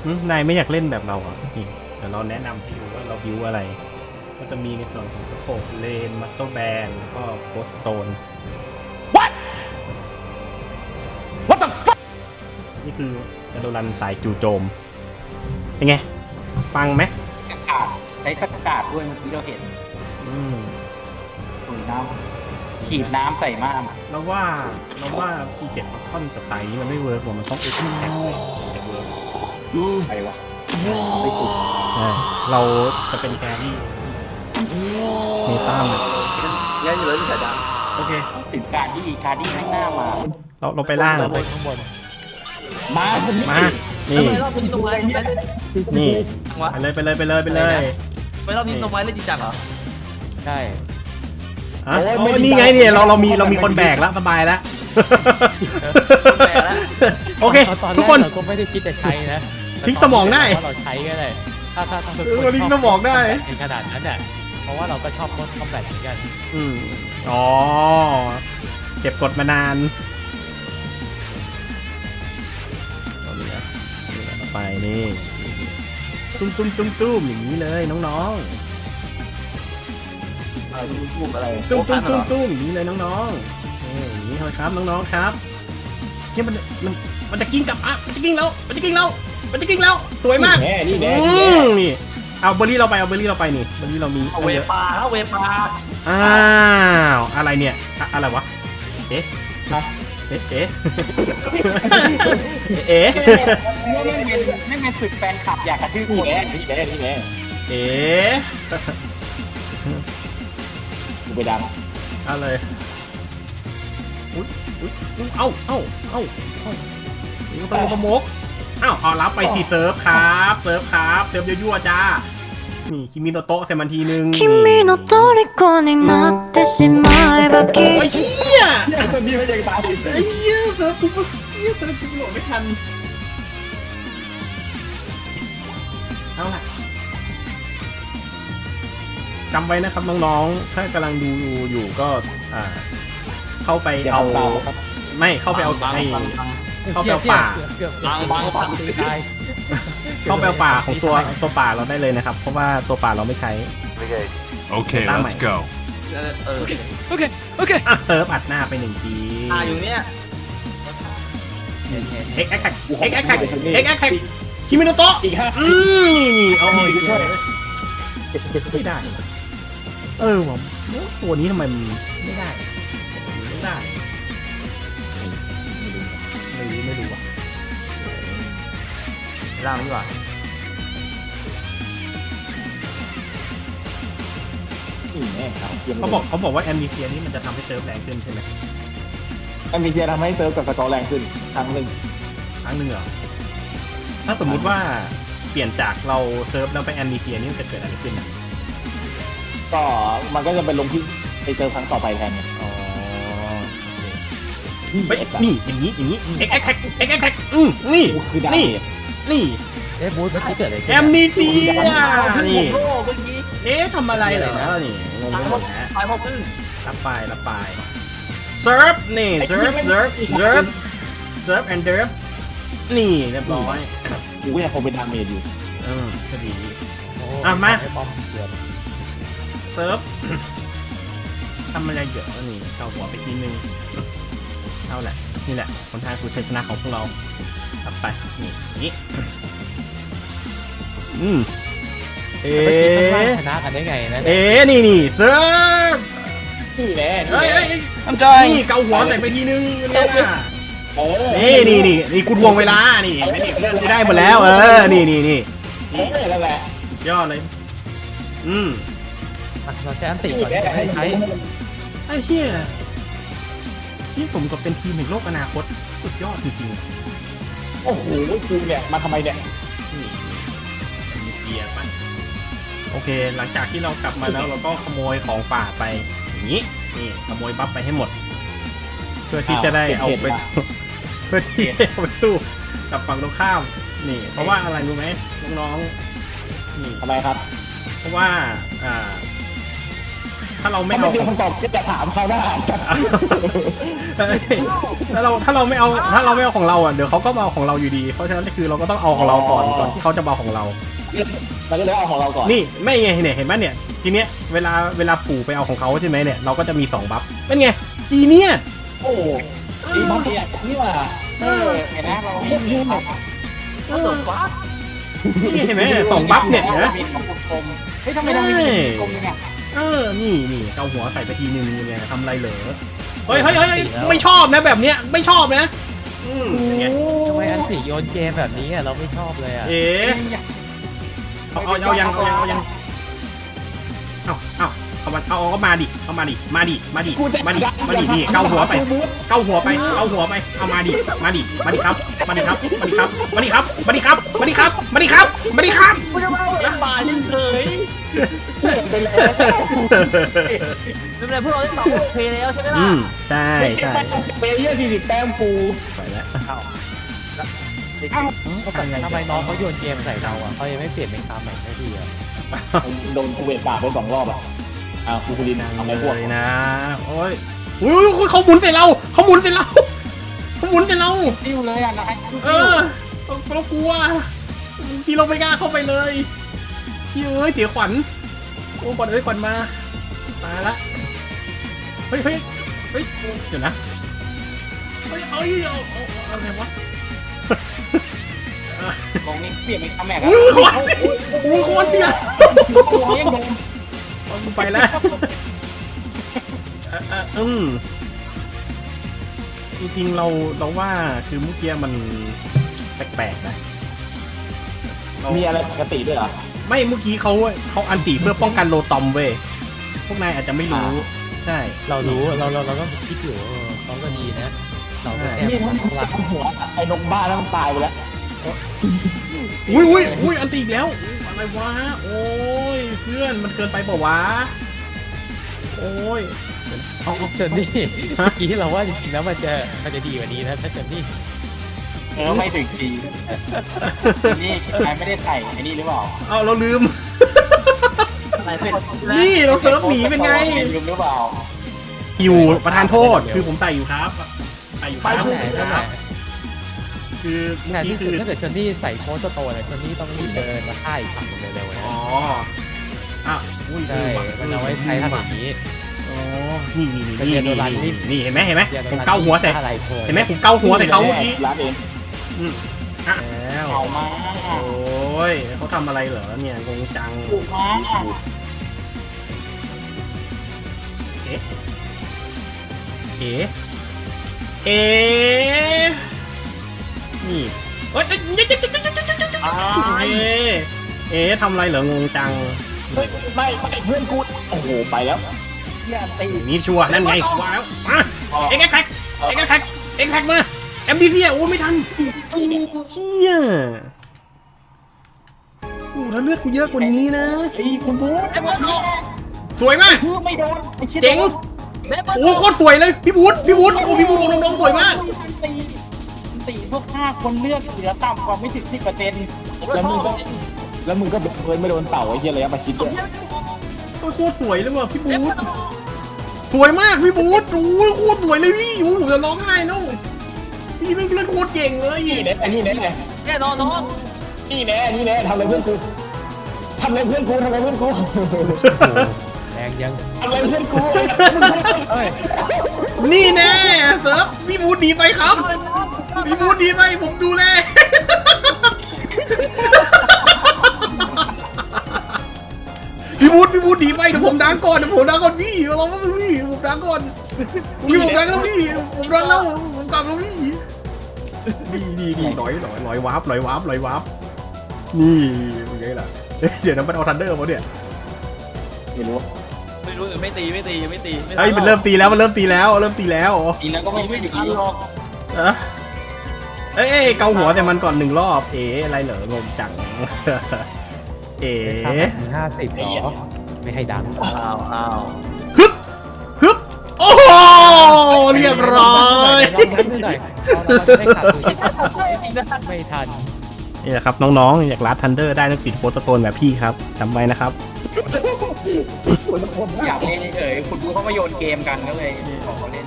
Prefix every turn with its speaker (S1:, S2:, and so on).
S1: นายไม่อยากเล่นแบบเราเหรอนี่เดี๋ยวเราแนะนำให้ดูว่าเราบิวอะไรก็จะมีในส่วนของสโคปเลนมัสเตอร์แบนแล้วก็โคสโตน What the fuck นี่คือจะโดนรันสายจู่โจมเป็นไงปังไหม
S2: สกัดใช้สกัดด้วยเมื่อกี้เราเห็นถุยน้ำฉีดน้ำใส่ม่าน
S1: เราว่าP7 ท่อนกับสายนี้มันไม่เวิร์กว่ามันต้องเอ็กซ์แท็กเลยจะเวิร์ก
S2: ไปวะ
S1: ไม่ถูกเราจะเป็นแครี่เมตาเลย
S2: งั้นอยู่เลยพี่ชายดา
S1: โอเค
S2: ถึงการดี้ไม่น่ามา
S1: เราไปล่าง
S3: ไปข้างบน
S1: มานี่
S3: ไม่รอบนี้ลงไว้
S1: นี่ไปเลย
S3: ไม่รอบนี้ลงไว้เล่นจริงจังเหรอใช่
S1: โอ้นี่ไงเนี่ยเรามีคนแบกแล้วสบายแล้วโอเคทุกคน
S3: เราก็ไม่ได้คิดจะใช้นะ
S1: ทิ้งสมองได้
S3: เราใช้ก็ได้ถ้า
S1: ทิ้งสมองได้
S3: ในขนาดนั้นเนี่ยเพราะว่าเราก็ชอบคอมแบทเหมือนกัน
S1: อ๋อเก็บกดมานานไปนี่ตุ้มอย่างนี้เลยน้องๆ
S2: อะไร
S1: ตุ้มอย่างนี้เลยน้องๆอย่างนี้ครับน้องๆครับที่มันจะกิ้งกลับมันจะกิ้งแล้วสวยมากนี่เอาเบอร์รี่เราไปนี่เบอร์รี่เรามี
S3: เวปา
S1: อ้าวอะไรเนี่ยอะไรวะเอ๊ะ
S2: ไม่เป็นศึกแฟนคลับอยากกระทืบคนนี่แน่กูไปดัง
S1: อะไรอุ้ยเอานี่ก็ต้องมกเอารับไปสิเซิร์ฟครับเซิร์ฟยั่วๆจ้านี่คิมิโนโตะเซมันทีนึงไอ้เหี้ย
S2: คนนี้ไม่ยังตาย
S1: ไอ้เหี้ยเซิร์ฟกูโหลดไม่ทันเอาล่ะจำไว้นะครับน้องๆถ้ากำลังดูอยู่ก็เข้าไปเอาไม่เข้าไปเอาเข้าไปเอาป่าเข้าไปเอาป่าของตัวป่าเราได้เลยนะครับเพราะว่าตัวป่าเราไม่ใช้
S4: โอเค let's go
S3: โอเค
S1: เซิร์ฟอัดหน้าไป1ที
S3: อยู่เนี่ย
S1: เอ็กแท็กคิมิโนโตะนี่เอาไม่ได้ผมตัวนี้ทำไมมันไม่ได้ไม่รู้ว่ะล่างดีกว่าเขาบอกว่าแอมบิเซียนี่มันจะทำให้เซิร์ฟแรงขึ้นใช่ไหม
S2: แอมบิเซียทำให้เซิร์ฟกับสกอร์แรงขึ้นครั้งหนึ่ง
S1: เหรอถ้าสมมุติว่าเปลี่ยนจากเราเซิร์ฟแล้วไปแอมบิเซียนี่มันจะเกิดอะไรขึ้นนะ
S2: ก็มันก็จะเป็นลงที่ไปเซิร์ฟครั้งต่อไปแทนไง
S1: นี่อย่างนี้เอ็กแท็กนี่
S3: บูธเมื่อกี้เกิดอะไร
S1: แอมนิเซียนี่ทำอะไรเหรอนี่งงไปหมดนะรับไปเซิร์ฟนี่เซิร์ฟแอนเดิร์ฟนี่เรียบร้อย
S2: กูก็ยังคงเป็นดาเมจอยู่
S1: พอดีมาเซิร์ฟทำอะไรเยอะนี่เกาหัวไปทีนึงเอาแหละนี่แหละคนทางสู่ชัยชนะของพวกเราตัดไปนี่
S3: ชนะกันได้ไงนะ
S1: นี่เซิร์ฟ
S2: นี่แหละ
S1: นี่เกาหัวใส่ไปทีนึงนี่กูทวงเวลานี่ไม่ได้เพื่อนกูได้หมดแล้วนี่
S2: นั่นแหละ
S1: ยอดเลย
S3: เราจะอันติก่อนให้ใช้
S1: ไอ้เชี่ยที่สมกับเป็นทีมแห่งโลกอนาคตสุดยอดจริง
S2: ๆโอ้โหกูเนี่ยมาทำไมเนี่ย
S1: มีเกียร์ไปโอเคหลังจากที่เรากลับมาแล้วเราก็ขโมยของป่าไปอย่างนี้นี่ขโมยบัฟไปให้หมดเพื่อที่จะได้เอาไปสู้กับฝั่งตรงข้ามนี่เพราะว่าอะไรรู้ไหมน้องๆนี่
S2: ทำไมครับ
S1: เพราะว่าถ้าเราไม่
S2: ไม่
S1: เอา
S2: เจอคำตอบก็จะถามเขาได้
S1: ถ้าเราไม่เอาของเราอ่ะเดี๋ยวเขาก็มาเอาของเราอยู่ดีเพราะฉะนั้นคือเราก็ต้องเอาของเราก่อนที่เขาจะมาเอาของเรา
S2: เราก็เลยเอาของเราก่อน
S1: นี่ไม่ไงเนี่ยเห็นไหมเนี่ยทีเนี้ยเวลาปู่ไปเอาของเขาใช่ไหมเนี่ยเราก็จะมี2บัฟเป็นไงจีเนี่ย
S2: โอ้จีบัฟเนี่ยนี่ว่าเห็นไหมเราพูด
S3: ก็ตกฟ้า
S1: นี่เห็นไหม2บัฟเนี่ยนะ
S2: มีของกลมเฮ้ยทำไมเรามีกลมเนี่ย
S1: นี่เกาหัวใส่ไปทีนึงยังไงทำไรเหรอเฮ้ยไม่ชอบนะแบบเนี้ยไม่ชอบนะเป็นไง
S5: ทำไมอันสีโยนเกมแบบนี้อ่ะเราไม่ชอบเลยอ่ะ
S1: เอ๋เอายังเอาก็มาดินี่เกาหัวไปเอามาดิครับ
S3: ป่าเฉย
S2: เป็นเลย
S3: ๆไม่เป็นไรพวกเราได้2โอเคแล้วใช่ไหมล่ะ
S1: ใช่
S2: เปย์เยอะ40 แต้มปู
S1: ไปแล้ว
S5: ทำไมน้องเขาโยนเกมใส่เราอ่ะเขายังไม่เปลี่ยนเป็นคำใหม่สักทีอ่ะ
S2: โดนกูเวทปากไป2 รอบอ่ะกูคุรินทำอะไรพวก
S1: เลยนะโอ้ยเขาหมุนใส่เรา
S2: ติ้วเลยอ่ะนาย
S1: เรากลัวพี่เราไม่กล้าเข้าไปเลยพี่เสียขวัญขวัญมาตายละเฮ้ยเดี๋ยวนะเอาอะไรวะ
S2: มองนี่เปลี่ยนเป็นคำแม็ก
S1: คนเนี่ย
S2: ยังโดน
S1: ไปแล้วจริงๆเราว่าคือเมื่อกี้มันแปลกๆนะ
S2: มีอะไรปกติด้วยเหรอ
S1: ไม่เมื่อกี้เขาอันติเพื่อป้องกันโลตอมเว้ยพวกนายอาจจะไม่รู้ใช่
S5: เรารู้เราก็คิดอยู่เขาก็ดีนะเราก็แอบ
S2: นี่มัน
S5: รัก
S2: หัวไอ้นกบ้าแล้วมันตายไปแล้ว
S1: อุ้ยอันติอีกแล้วอะไรวะโอ้ยเพื่อนมันเกินไปเปล่าวะโอ้ย
S5: เอาเจนนี่เมื่อกี้เราว่าจริงๆแล้วมันจะดีกว่านี้นะถ้าเจนนี่
S2: ไม่ถึงทีนี่นายไม่ได้ใส่ไอ้นี่หรือเปล่า
S1: เอาเราลืม
S3: อะไรเป็น
S1: นี่เราเซิร์ฟหนีเป็นไง
S2: ลืมหรือเปล่า
S1: อยู่ประธานโทษคือผมใส่อยู่ครับใส่อยู่ครับ
S5: นั่นแหละ
S1: คือเมื่
S5: แต่
S1: อกี้
S5: ที่สุ
S1: คื
S5: ด
S1: อ
S5: ถ้าเกิดเจนนี่ใส่โค้ชโตเลยเจนนี่ต้องรีบเดินมาฆ่าอีกฝั่งนึงเร็วๆนะ
S1: อ๋ออุ้ย
S5: ใช่มันเอาไว้ใช้ทำอย่างนี้
S1: อ๋อนี่
S5: ไปเรียนโดรันนี่
S1: นี่เห็นไหมผมเกาหัวใส่
S5: อะไรโผล่
S1: เห็นไหมผมเกาหัวใส่เขาเมื่อกี้
S2: ร้านเอง
S1: แล้ว
S2: เอามา
S1: โอ้ยเขาทำอะไรเหรอเนี่ยงงจัง
S2: ถูกมา
S1: เอ๊ะนี่เอ๊ะทำอะไรเหรองงจัง
S2: ไม่เพื่อนกูโอ้โหไปแล้วเนี่ยตี
S1: นี่ชัวร์นั่นไงว่าแล้วมาเอ็กแท็กมาเอ็มดีซีโอ้ไม่ทันเชี่ยโอ้ถ้าเลือดกูเยอะกว่านี้นะ
S2: ไอ้คุณพูด
S3: เดมอนโต
S1: สวยมาก
S2: คือไม่โดน
S1: เจ๋ง
S3: เดมอนโต
S1: โอ้โคตรสวยเลยพี่บูธโอ้พี่บูธน้องๆสวยมาก
S2: ตีพวก5 คนเลือดเหลือต่ำกว่าไม่ถึง 10%
S3: ผมก็ชอบ
S2: แล้วมึงก็เพิ่นไม่โดนเต่าไอ้เหี้ยระยะประชิดด้วย
S1: โอ้ยโคตรสวยเลยว่ะพี่บูธสวยมากพี่บูธโอ้ยโคตรสวยเลยพี่โอ้ผมจะร้องไห้แล้วพี่ไม่เล่นโคตรเก่งเลย
S2: นี่แน่นี่แน่
S3: แน่นอนน้อง
S2: นี่แน่ทำอะไรเพื่อนกูทำอะไรเพื่อนกู
S5: แรงยัง
S2: ทำอะไรเพื่อนกู
S1: นี่แน่เซิร์ฟพี่บูธหนีไปครับพี่บูธหนีไปผมดูแลพี่บูธหนีไปเดี๋ยวผมดังก่อนพี่เราไม่พี่ผมดังก่อนผมดังแล้วพี่ผมดังแล้วผมกลับแล้วพี่ดีหน่อยวาร์ปนี่เป็นไงล่ะเดี๋ยวนั้นมันเอาทันเดอร์มาเนี่ย
S2: ไม่รู้
S3: ไม่ตียังไม่ตี
S1: เฮ้ยมันเริ่มตีแล้ว
S2: อีกแล้วก็ไม่
S3: ไม่
S2: ถึ
S3: ถึ
S2: ง
S3: งหรอก
S1: เอ้ยเกาหัวแต่มันก่อน1 รอบอะไรเหรองงจัง
S5: 50หรอไม่ให้ดัง
S3: อ้าว
S1: ฮึบโอ้โหเรียบร้อย
S5: ลองยันหน่อยได้ขาดตัวไม่ทัน
S1: นี่แหละครับน้องๆอยากรัดทันเดอร์ได้ต้องติดโฟสโตนแบบพี่ครับจำไว้นะครับ
S2: อยากเล่นเฉยๆคุณดูเขามาโยนเกมกันก็เลยขอเขาเล่น